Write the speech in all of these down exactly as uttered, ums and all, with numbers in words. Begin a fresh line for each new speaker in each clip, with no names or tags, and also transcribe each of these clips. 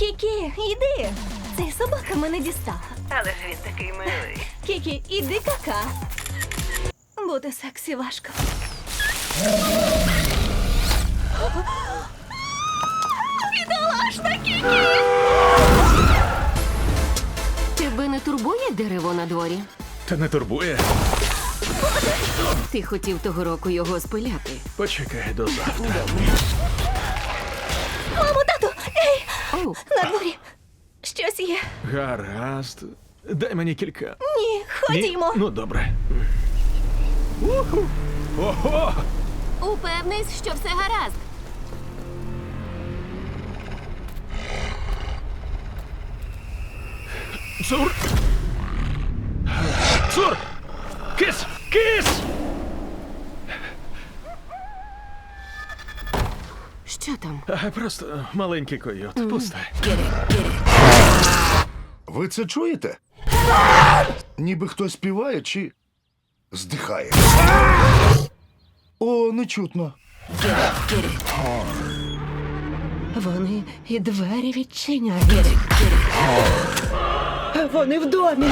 Кікі, йди. Цей собака мене дістала.
Але ж він такий милий.
Кікі, іди кака. Бути сексі важко. Бідолашна Кікі!
Тебе не турбує дерево на дворі?
Та не турбує.
Ти хотів того року його спиляти.
Почекай до завтра.
Мамо, тату! Ей!
Оу,
На дворі. Щось є.
Гаразд. Дай мені кілька.
Ні,
Ні?
ходімо.
Ну, добре. Уху. Ого!
упевнись, що все гаразд.
Цур! Цур! Кис! Кис!
Що там?
А, просто маленький койот. Пусте.
Ви це чуєте? Ніби хтось співає чи здихає. О, не чутно.
Вони і двері відчиняють. Вони в домі.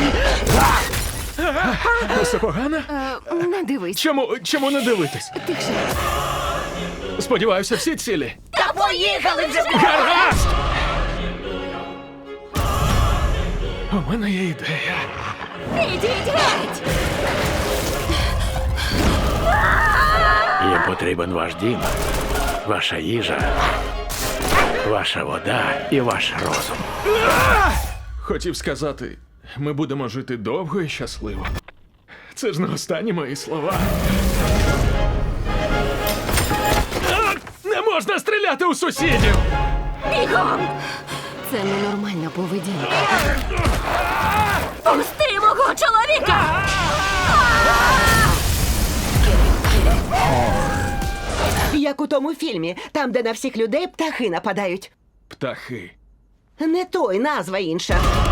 Все погано?
Е, не дивись.
Чому, чому не дивитись?
Тихше.
Сподіваюся, всі цілі.
Та поїхали вже!
Гаразд! У мене є ідея.
Ідіть геть!
Їм потрібен ваш дім, ваша їжа, ваша вода і ваш розум.
Хотів сказати, ми будемо жити довго і щасливо. Це ж не останні мої слова. А! Не можна стріляти у сусідів!
Бігом!
Це ненормальна поведінка.
Пусти мого чоловіка!
Як у тому фільмі, там, де на всіх людей птахи нападають.
Птахи.
Не той, назва інша.